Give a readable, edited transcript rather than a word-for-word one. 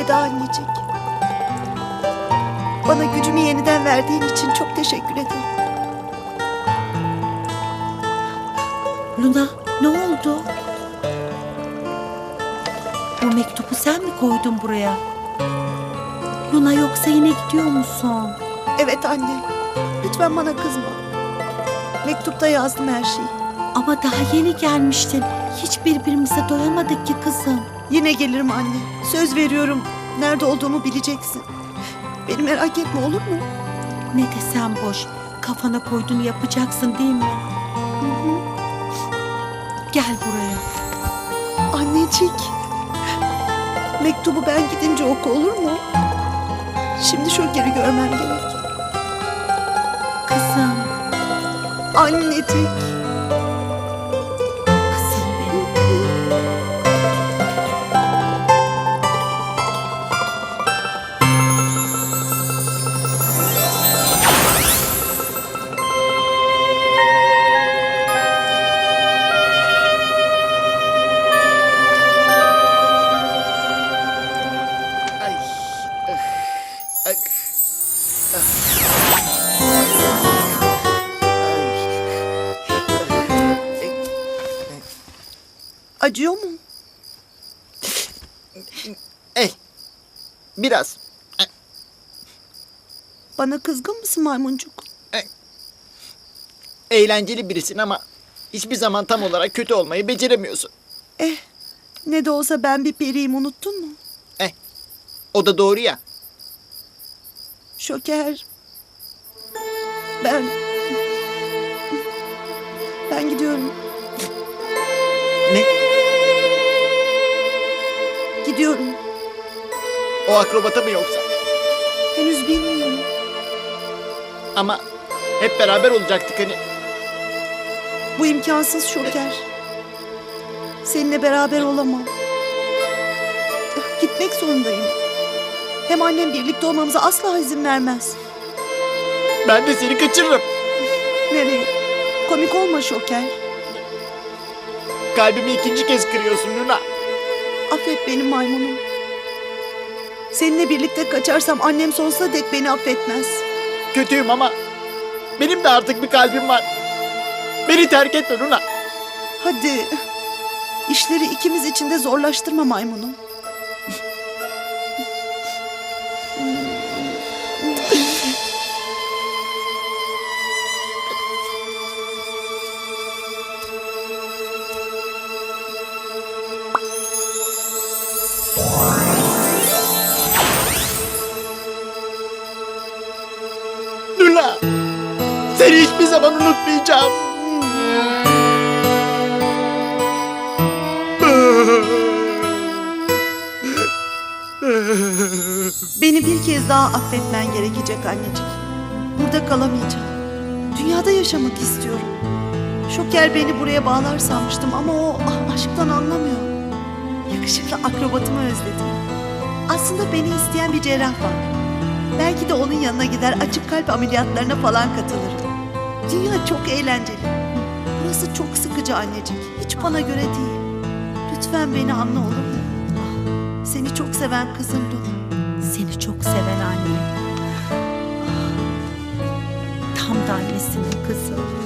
Elveda annecik. Bana gücümü yeniden verdiğin için çok teşekkür ederim. Luna, ne oldu? Bu mektubu sen mi koydun buraya? Luna, yoksa yine gidiyor musun? Evet anne. Lütfen bana kızma. Mektupta yazdım her şeyi. Ama daha yeni gelmiştin. Hiç birbirimize doyamadık ki kızım. Yine gelirim anne. Söz veriyorum. Nerede olduğumu bileceksin. Beni merak etme, olur mu? Ne desem boş. Kafana koyduğunu yapacaksın değil mi? Gel buraya. Annecik. Mektubu ben gidince oku, olur mu? Şimdi Şoker'i görmem gerek. Kızım. Annecik. Kızım benim. Acıyor mu? Biraz. Bana kızgın mısın maymuncuk? Eğlenceli birisin ama hiçbir zaman tam olarak kötü olmayı beceremiyorsun. Ne de olsa ben bir periyim, unuttun mu? O da doğru ya. Şoker. Ben gidiyorum. Ne? Gidiyorum. O akrobata mı yoksa? Henüz bilmiyorum. Ama hep beraber olacaktık hani. Bu imkansız Şoker. Seninle beraber olamam. Gitmek zorundayım. Hem annem birlikte olmamıza asla izin vermez. Ben de seni kaçırırım. Nereye? Komik olma Şoker. Kalbimi ikinci kez kırıyorsun Luna. Affet beni maymunum. Seninle birlikte kaçarsam annem sonsuza dek beni affetmez. Kötüyüm ama benim de artık bir kalbim var. Beni terk etme Luna. Hadi. İşleri ikimiz için de zorlaştırma maymunum. Luna. Seni hiçbir zaman unutmayacağım. Beni bir kez daha affetmen gerekecek annecik. Burada kalamayacağım. Dünyada yaşamak istiyorum. Şoker beni buraya bağlar sanmıştım ama o aşktan anlamıyor. Yakışıklı akrobatımı özledim. Aslında beni isteyen bir cerrah var. Belki de onun yanına gider, açık kalp ameliyatlarına falan katılırım. Dünya çok eğlenceli. Burası çok sıkıcı annecik. Hiç bana göre değil. Lütfen beni anla, olur mu? Seni çok seven kızım Luna. Seni çok seven anne. Tam da annesinin kızı.